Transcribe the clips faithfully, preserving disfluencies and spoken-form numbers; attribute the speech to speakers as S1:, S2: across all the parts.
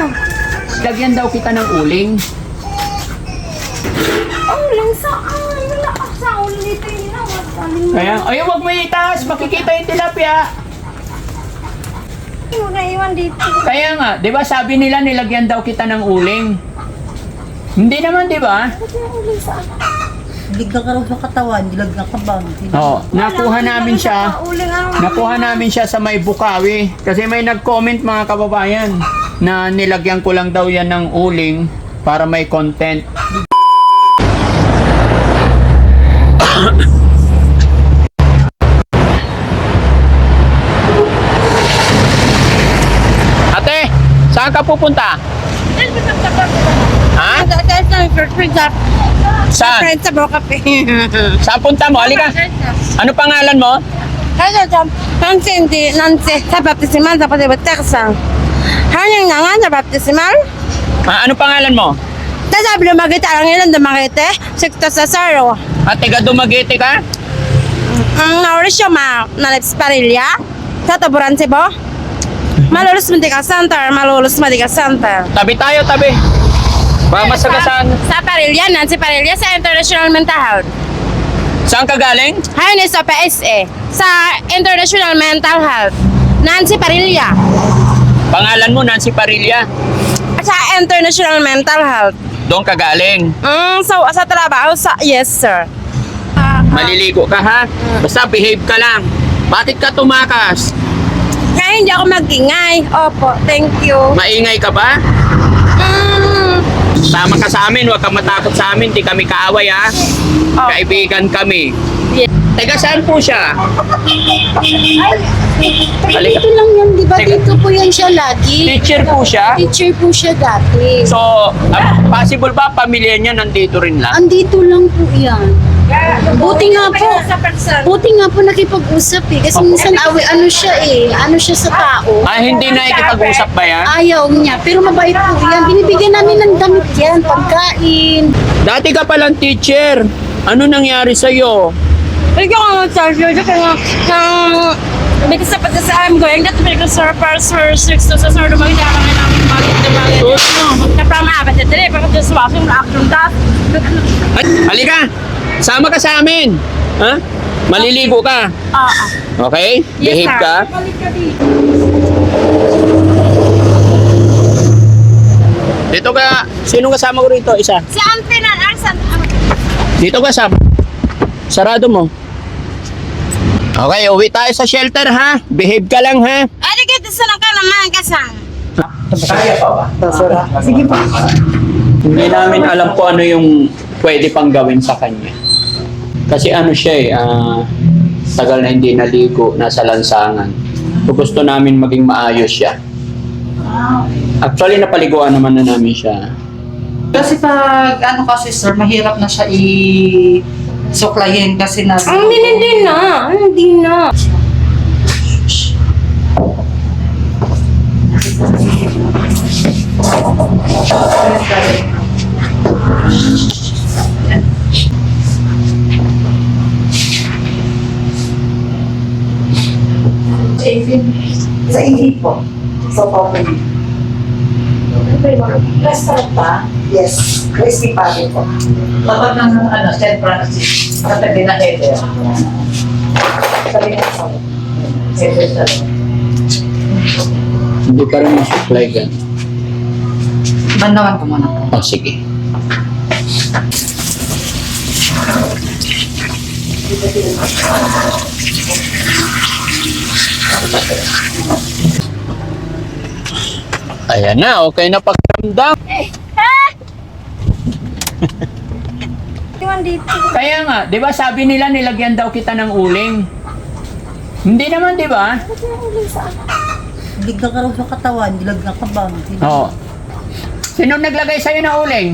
S1: Lagyan daw kita ng uling.
S2: Uling saan? Wala ka sa uling ito yun.
S1: Kaya, ay, wag mo itaas. Makikita yung tilapia.
S2: Yung naiwan dito.
S1: Kaya nga, di ba sabi nila nilagyan daw kita ng uling? Hindi naman, di ba?
S2: Uling saan?
S3: Ligag ka raw sa katawan, dilagyan ka ba?
S1: Oo, nakuha namin siya. Nakuha namin siya sa may Bukawi. Kasi may nag-comment mga kababayan na nilagyan ko lang daw yan ng uling para may content. Ate, saan ka pupunta? Ha? Saan?
S2: Friends sa Bocape.
S1: Saan punta mo? Halika. Ano pangalan mo?
S2: Kaya sa Nancy, Nancy, sa baptisimal, sa pati-bataksan. Hanyang nga nga sa baptisimal.
S1: Ah, ano pangalan mo?
S2: Tasabi lumagita lang ilan dumakite. Sikto sa saro.
S1: At taga Dumaguete ka?
S2: Ang naurisyo ma, nalips parilya. Sa taburan si Bo. Malulus Medical Center, Malulus Medical Center.
S1: Tabi tayo, tabi. Baka masagasaan.
S2: Sa Parilya, Nancy Parilya, sa International Mental Health.
S1: Saan ka galing?
S2: Hayon sa P S A, sa International Mental Health. Nancy Parilya.
S1: Pangalan mo, Nancy Parilla.
S2: Sa International Mental Health.
S1: Doon ka galing.
S2: Mm, so, sa trabaho, sa, yes sir.
S1: Maliligo ka ha? Basta behave ka lang. Bakit ka tumakas?
S2: Kaya hindi ako mag-ingay. Opo, thank you.
S1: Maingay ka ba?
S2: Mm,
S1: Tama ka sa amin, huwag kang matakot sa amin. Di kami kaaway ha?
S2: Oh.
S1: Kaibigan kami.
S2: yes.
S1: Teka, saan po siya? Halika.
S4: Dito lang yan, di ba?
S1: Teka.
S4: Dito po yan siya lagi.
S1: Teacher po siya?
S4: Teacher po siya dati.
S1: So, ah, possible ba pamilya niya nandito rin lang?
S4: Andito lang po yan. Buti nga po. Buti nga po nakipag-usap eh. Kasi minsan awi, ano siya eh. Ano siya sa tao.
S1: Ah, hindi na ikipag-usap ba yan?
S4: Ayaw niya. Pero mabait po yan. Binibigyan namin ng damit yan. Pagkain.
S1: Dati ka palang teacher. Ano nangyari sa'yo?
S2: Ikaw ang mag-charge yun. Kaya nga, because sa pati sa I'm going that make a surprise for six to sa sir dumagin na kami namin bagit na bagit. Na from apat na tiri, pero just walking the action task.
S1: Ay, halika! Sama ka sa amin! Ha? Maliligo ka.
S2: Ah, ah.
S1: Okay?
S2: Yes,
S1: Behave
S2: sir.
S1: ka. Dito ka. Sino kasama ko rito? Isa.
S2: Si Auntie na, Arsan.
S1: Dito ka sa. Sarado mo. Okay, uwi tayo sa shelter ha. Behave ka lang ha.
S2: Ay, di sa lang ka naman kasang.
S1: Kaya pa ba? Sige pa. Hindi namin alam po ano yung pwede pang gawin sa kanya. Kasi ano siya eh, ah, tagal na hindi naligo, nasa lansangan. So gusto namin maging maayos siya. Actually, napaliguan naman na namin siya.
S3: Kasi pag ano kasi sir, mahirap na siya i suklayin kasi na
S2: Ang hindi, hindi na. Hindi na.
S3: sa ihip po. So, okay.
S4: Restaurant pa?
S3: Yes, crispy patty po.
S5: Tapat ng ano, Saint Francis, katabi na header.
S3: Sabi nga sa
S5: Header sa
S1: Hindi pa rin supply gan.
S3: Bandawan ko muna po.
S1: Oh, sige. Ayan na, okay na pakiramdam.
S2: Iwan dito.
S1: Kaya nga, di ba sabi nila nilagyan daw kita ng uling? Hindi naman, di ba?
S3: Ligag ka raw sa katawan, dilagyan ka ba?
S1: Oo. Sino naglagay sa'yo ng uling?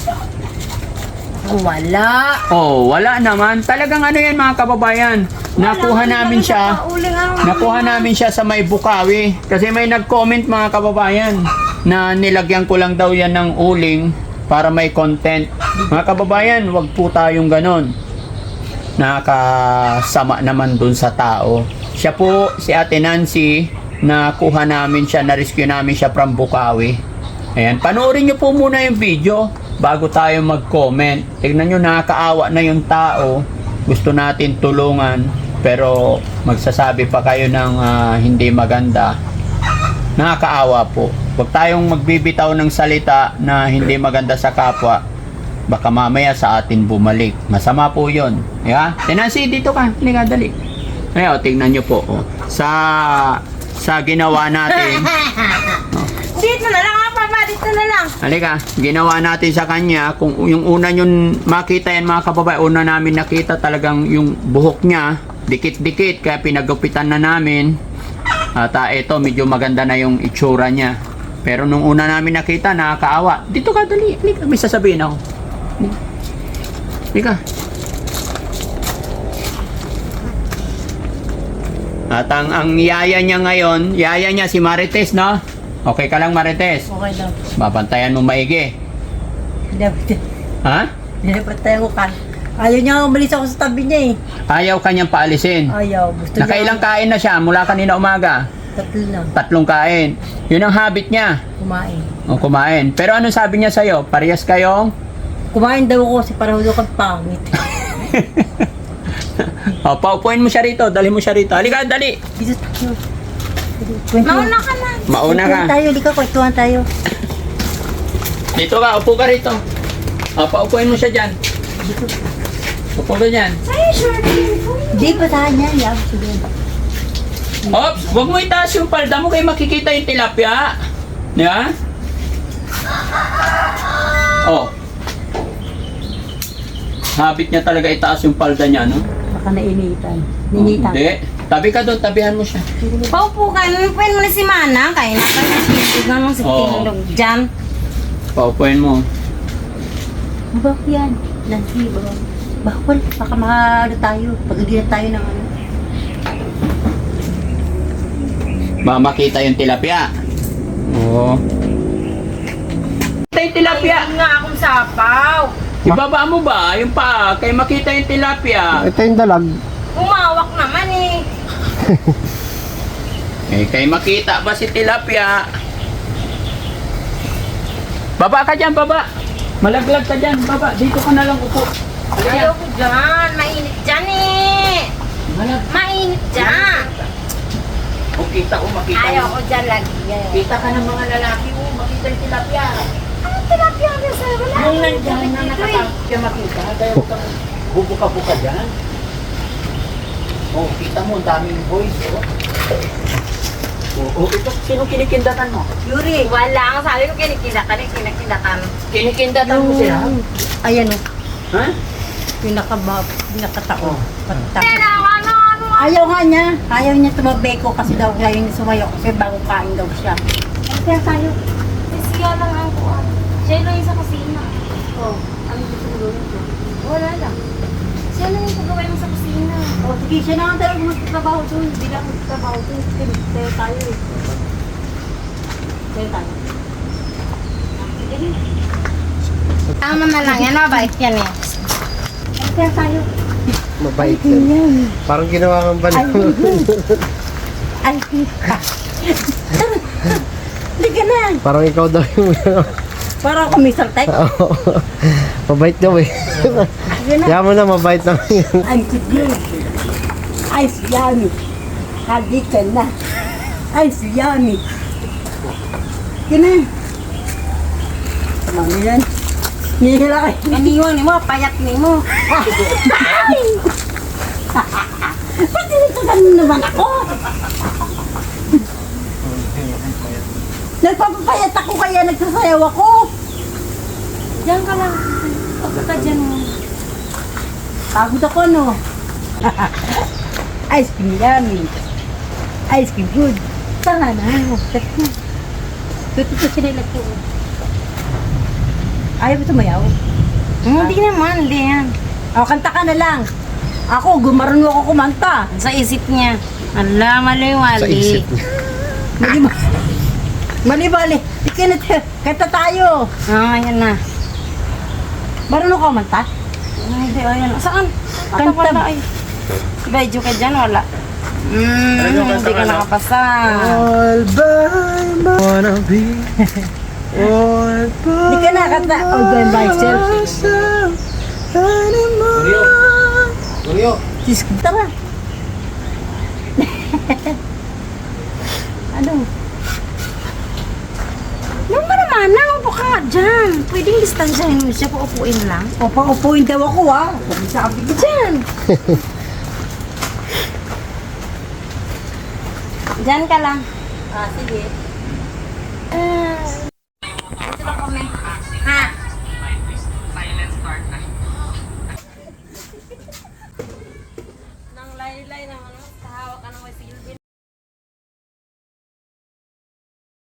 S3: Wala.
S1: Oh, wala naman. Talagang ano yan mga kababayan. Nakuha namin siya. Nakuha namin siya sa may Bukawi. Kasi may nag-comment mga kababayan na nilagyan ko lang daw yan ng uling para may content. Mga kababayan, wag po tayong ganon. Nakakasama naman dun sa tao. Siya po, si Ate Nancy, nakuha namin siya, na-rescue namin siya from Bukawi. Ayan, panoorin nyo po muna yung video bago tayo mag-comment. Tignan nyo, nakakaawa na yung tao. Gusto natin tulungan, pero magsasabi pa kayo ng ah, hindi maganda. Nakakaawa po. Huwag tayong magbibitaw ng salita na hindi maganda sa kapwa. Baka mamaya sa atin bumalik. Masama po yun. Yeah? Tenancy, dito ka. Hindi nga, dali. Ayan, tignan nyo po. Oh. Sa, sa ginawa natin.
S2: Dito na lang, papa. Dito na lang.
S1: Halika, ginawa natin sa kanya, kung yung una yung makita yan mga kababae, una namin nakita talagang yung buhok niya, dikit-dikit, kaya pinagupitan na namin. At uh, ito, medyo maganda na yung itsura niya. Pero nung una namin nakita, nakakaawa. Dito ka, dali, halika, may sasabihin ako. Halika. At ang, ang yaya niya ngayon, yaya niya si Marites, no? Okay ka lang, Marites?
S5: Okay lang.
S1: Babantayan mo maigi.
S5: Dapat,
S1: Ha?
S5: dapat tayo ka. Ayaw niya umalis ako sa tabi niya eh.
S1: Ayaw kanyang paalisin.
S5: Ayaw. Gusto
S1: Nakailang kain na siya mula kanina umaga?
S5: Tatlo lang.
S1: Tatlong kain. Yun ang habit niya.
S5: Kumain.
S1: O, kumain. Pero ano sabi niya sa'yo? Parehas kayong?
S5: Kumain daw ako kasi pareho daw kang pangit.
S1: O, paupuin mo siya rito. Dali mo siya rito. Halika, dali.
S5: Dito tayo.
S2: Mauna ka na.
S1: Mauna ka.
S5: Kwentuhan tayo, di ka kwentuhan tayo.
S1: Dito ka, upo ka rito. O, paupuin mo siya dyan. Upo ka dyan.
S2: Ay, sure.
S5: Di pa tahan niya. Yaw, sige.
S1: Ops, huwag mo itaas yung palda mo kayo makikita yung tilapia. Di ba? Oh. Habit niya talaga itaas yung palda niya, no?
S5: Baka nainitan.
S1: Oh, hindi. Tabi ka doon, tabihan mo siya.
S2: Paupo ka. Pupuin mo na si Mana. Kaya na ka na sisig ng si
S1: Oo.
S2: Tinulog dyan.
S1: Paupuin mo.
S5: Bak yan. Nancy, baka. Bawal. Baka makano tayo. Pag hindi na tayo ng ano.
S1: Ba makita yung tilapia. Oo. Makita yung tilapia.
S2: Ayun nga akong sapaw.
S1: Ibaba mo ba? Yung pa, kay makita yung tilapia.
S6: Ito yung dalag.
S2: Umawak naman eh.
S1: Eh, kay makita ba si tilapia? Baba ka dyan, baba. Malaglag ka dyan, baba. Dito ka na lang upo.
S2: Ayaw ko dyan. Mainit dyan eh.
S1: Malag.
S2: Mainit dyan.
S1: Kung kita ko, makita
S2: Ayaw
S1: mo.
S2: ko dyan lagi.
S1: Kita ka ng mga lalaki mo, makita yung tilapia.
S2: Ano tilapia ka sa wala?
S1: Yung nandyan na nakatakot siya makita, kaya huwag kang bubuka-buka dyan. Oh, kita mo, ang daming boys, oh. Oh, oh, ito, sino kinikindatan mo?
S2: Yuri. Wala. Ang sabi ko kinikindakan eh. Kinikindakan.
S1: Kinikindatan mo sila?
S5: Ayan o.
S1: Ha?
S5: Yung nakaba, yung nakatao.
S1: Oh.
S5: Patak.
S2: Pero ano, ano,
S5: Ayaw nga niya. Ayaw niya tumabeko kasi daw ayaw niya sumayo kasi bago kain daw siya. Kaya tayo.
S2: siya lang ang kuwan. Siya lang yung sa kusina. Oh, ano gusto mo gawin ko? Wala lang. Siya lang yung gagawin mo sa kusina.
S5: O sige, siya na nga talaga magtatrabaho doon. Hindi lang magtatrabaho doon. Kaya tayo tayo eh. Tayo tayo.
S2: Tama na lang yan, mabait yan eh.
S5: Kaya tayo.
S6: Mabait yan. Parang ginawa kang balik mo.
S5: Ay, hindi ka na.
S6: Parang ikaw daw yung...
S5: Parang ako may saltek.
S6: Oo. Mabait daw eh.
S5: Sige na.
S6: Kaya mo na, mabait naman yan.
S5: Ay, sige. Ay, yummy. Hadi ka na. Ay, yummy. Sige na. Mami yan. Nihila kayo.
S2: Ganiwan mo, payat ni mo.
S5: Ba't tinitagan mo naman ako? Nagpapapayat ako kaya nagsasayaw ako.
S2: Diyan ka lang. Pagka ka dyan mo.
S5: Pagod ako, no? Ice cream yummy. Ice cream good. Tanga na. Tara na. Tuto ko sinilat ko. Ayaw mo tumayaw?
S2: Hindi naman, hindi yan.
S5: O, kanta ka na lang. Ako, gumarunong ako kumanta.
S2: Sa isip niya. Ala, mali-wali.
S6: Sa isip.
S5: Mali ba? Mali bali. Ikinit. Kanta tayo.
S2: Ah, yan na.
S5: Marunong ka kumanta?
S2: Ay, hindi, ayan. Saan? Kanta
S5: Kanta.
S2: wala ay. Medyo ka dyan, wala. Hmm, hindi ka nakapasa.
S6: All by my wanna be.
S5: Hindi ka nakata. Oh, going by yourself.
S6: Mario! Mario!
S5: Sis, tara. Ano?
S2: Yung ba naman, naupo ka nga dyan. Pwedeng distansyahin mo siya, paupuin lang.
S5: O, paupuin daw ako ah. Sabi ko
S2: Dyan. Dyan ka lang.
S5: Ah, sige.
S2: Ah,